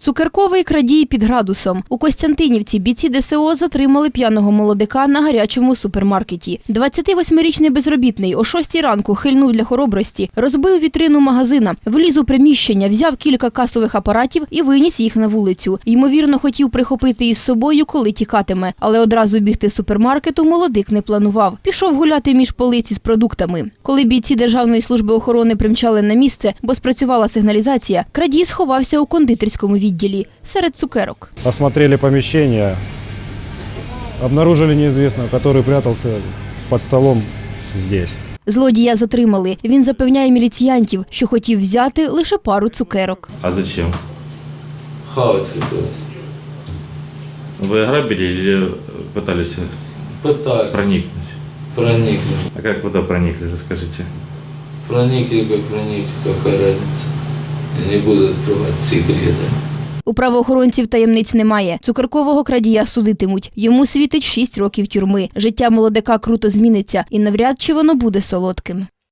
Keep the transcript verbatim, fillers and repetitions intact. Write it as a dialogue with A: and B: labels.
A: Цукерковий крадій під градусом. У Костянтинівці бійці Де Ес О затримали п'яного молодика на гарячому супермаркеті. двадцятивосьмирічний безробітний о шостій ранку хильнув для хоробрості, розбив вітрину магазина, вліз у приміщення, взяв кілька касових апаратів і виніс їх на вулицю. Ймовірно, хотів прихопити із собою, коли тікатиме. Але одразу бігти з супермаркету молодик не планував. Пішов гуляти між полиці з продуктами. Коли бійці Державної служби охорони примчали на місце, бо спрацювала сигналізація, крадій сховався у кондитерському відділі. Серед цукерок.
B: Осмотрели помещение, обнаружили неизвестного, который прятался под столом здесь.
A: Злодія затримали. Він запевняє міліціянтів, що хотів взяти лише пару цукерок.
C: А зачем?
D: Хавать хотелось.
C: Вы ограбили или пытались
D: Пытались.
C: проникнуть?
D: Проникли.
C: А как куда проникли, расскажите?
D: Проникли, как проникли, какая разница. Я не буду открывать секреты.
A: У правоохоронців таємниць немає. Цукеркового крадія судитимуть. Йому світить шість років тюрми. Життя молодика круто зміниться і навряд чи воно буде солодким.